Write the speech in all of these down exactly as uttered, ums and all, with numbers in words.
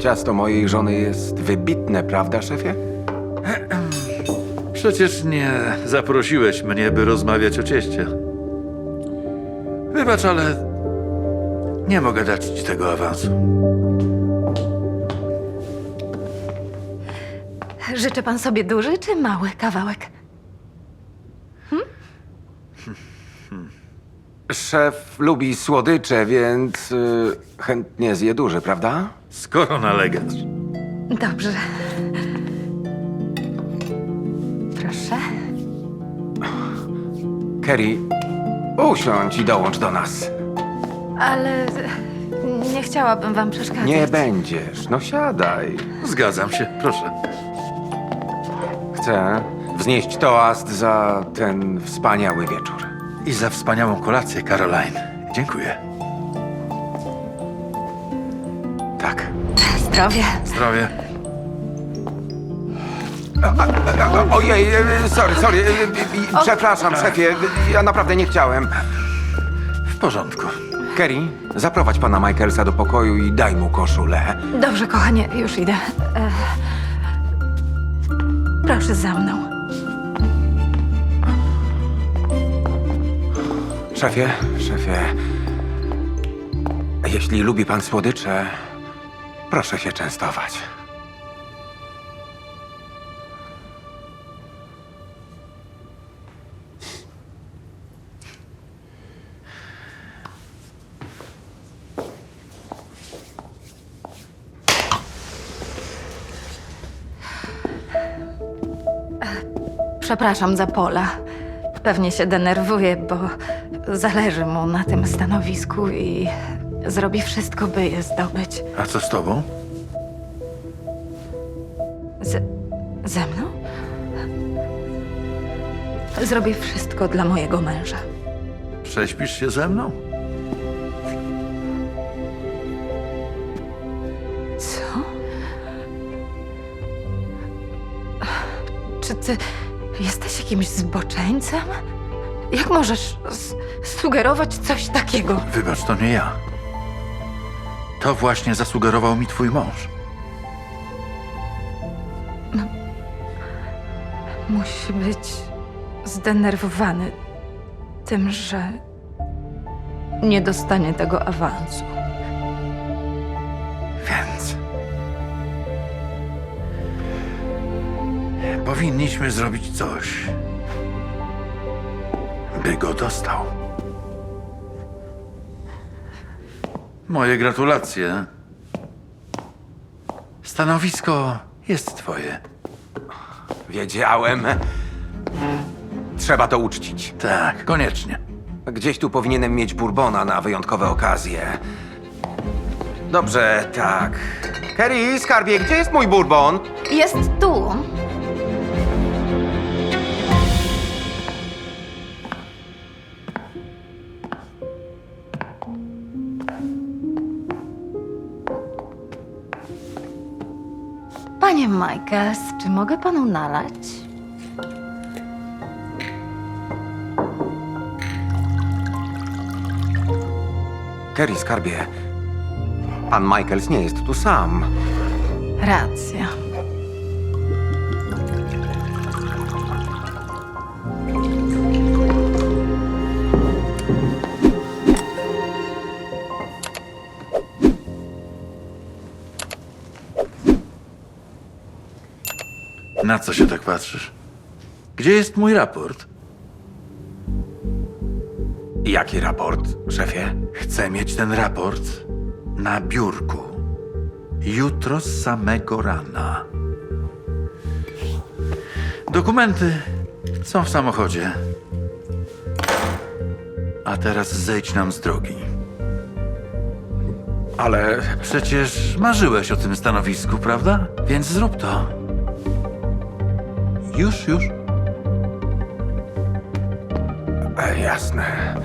Ciasto mojej żony jest wybitne, prawda, szefie? Przecież nie zaprosiłeś mnie, by rozmawiać o cieście. Wybacz, ale nie mogę dać ci tego awansu. Życzy pan sobie duży czy mały kawałek? Szef lubi słodycze, więc y, chętnie zje duży, prawda? Skoro nalegasz. Dobrze. Proszę. Kerry, usiądź i dołącz do nas. Ale nie chciałabym wam przeszkadzać. Nie będziesz, no siadaj. Zgadzam się, proszę. Chcę wznieść toast za ten wspaniały wieczór. I za wspaniałą kolację, Caroline. Dziękuję. Tak. Zdrowie. Zdrowie. O, ojej, e, sorry, sorry. e, e, Przepraszam, szefie. Ja naprawdę nie chciałem. W porządku. Kerry, zaprowadź pana Michaelsa do pokoju i daj mu koszulę. Dobrze, kochanie, już idę. E... Proszę za mną. Szefie, szefie. Jeśli lubi pan słodycze, proszę się częstować. Przepraszam za Pola. Pewnie się denerwuje, bo zależy mu na tym stanowisku i zrobi wszystko, by je zdobyć. A co z tobą? Z... ze mną? Zrobię wszystko dla mojego męża. Prześpisz się ze mną? Co? Czy ty jesteś jakimś zboczeńcem? Jak możesz s- sugerować coś takiego? Wybacz, to nie ja. To właśnie zasugerował mi twój mąż. Musi być zdenerwowany tym, że nie dostanie tego awansu. Więc... powinniśmy zrobić coś, by go dostał. Moje gratulacje. Stanowisko jest twoje. Wiedziałem. Trzeba to uczcić. Tak, koniecznie. Gdzieś tu powinienem mieć bourbona na wyjątkowe okazje. Dobrze, tak. Kerry, skarbie, gdzie jest mój bourbon? Jest tu. Panie Michaels, czy mogę panu nalać? Kerry, skarbie. Pan Michaels nie jest tu sam. Racja. Na co się tak patrzysz? Gdzie jest mój raport? Jaki raport, szefie? Chcę mieć ten raport na biurku. Jutro z samego rana. Dokumenty są w samochodzie. A teraz zejdź nam z drogi. Ale Przecież marzyłeś o tym stanowisku, prawda? Więc zrób to. Już, już. e, jasne.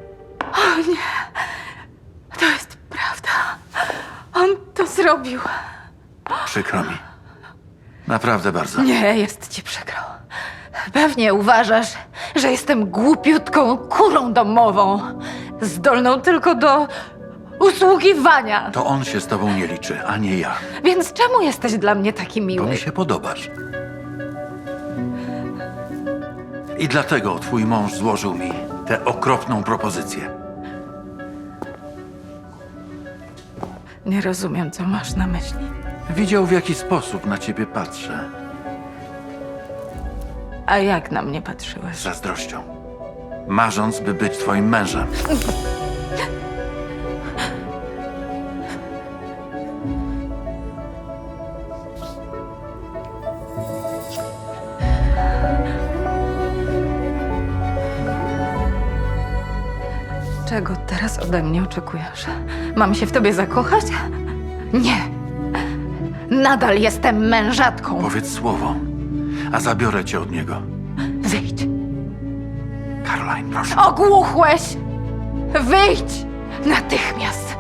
O nie, to jest prawda. On to zrobił. Przykro mi. Naprawdę bardzo. Nie, jest ci przykro. Pewnie uważasz, że jestem głupiutką kurą domową, zdolną tylko do usługiwania. To on się z tobą nie liczy, a nie ja. Więc czemu jesteś dla mnie taki Bo miły? mi się podobasz. I dlatego twój mąż złożył mi tę okropną propozycję. Nie rozumiem, co masz na myśli. Widział, w jaki sposób na ciebie patrzę. A jak na mnie patrzyłeś? Z zazdrością. Marząc, by być twoim mężem. Czego teraz ode mnie oczekujesz? Mam się w tobie zakochać? Nie. Nadal jestem mężatką. Powiedz słowo, a zabiorę cię od niego. Wyjdź. Caroline, proszę. Ogłuchłeś! Wyjdź! Natychmiast!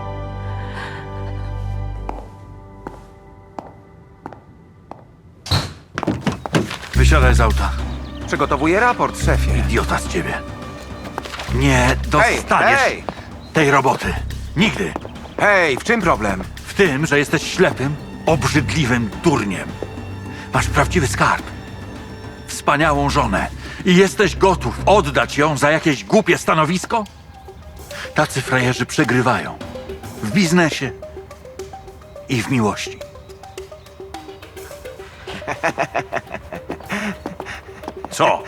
Wysiadaj z auta. Przygotowuję raport, szefie. Idiota z ciebie. Nie dostaniesz hej! tej roboty. Nigdy. Hej, w czym problem? W tym, że jesteś ślepym, obrzydliwym durniem. Masz prawdziwy skarb. Wspaniałą żonę. I jesteś gotów oddać ją za jakieś głupie stanowisko? Tacy frajerzy przegrywają. W biznesie i w miłości. Co?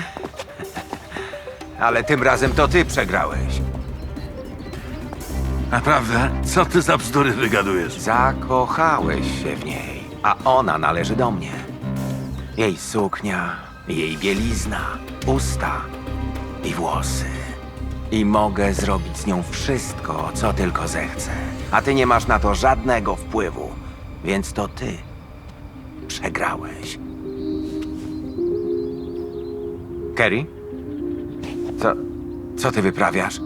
Ale tym razem to ty przegrałeś. Naprawdę? Co ty za bzdury wygadujesz? Zakochałeś się w niej, a ona należy do mnie. Jej suknia, jej bielizna, usta i włosy. I mogę zrobić z nią wszystko, co tylko zechcę. A ty nie masz na to żadnego wpływu, więc to ty przegrałeś. Kerry? Co, co ty wyprawiasz?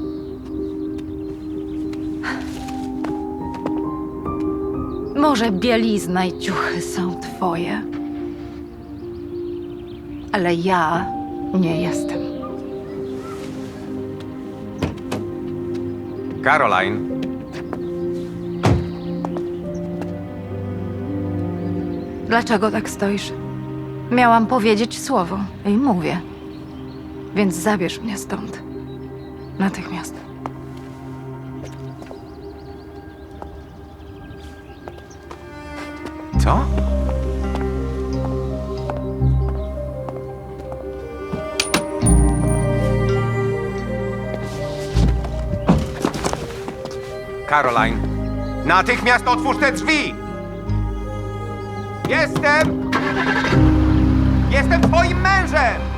Może bielizna i ciuchy są twoje, ale ja nie jestem. Caroline. Dlaczego tak stoisz? Miałam powiedzieć słowo i mówię. Więc zabierz mnie stąd. Natychmiast. Co? Caroline, natychmiast otwórz te drzwi! Jestem! Jestem twoim mężem!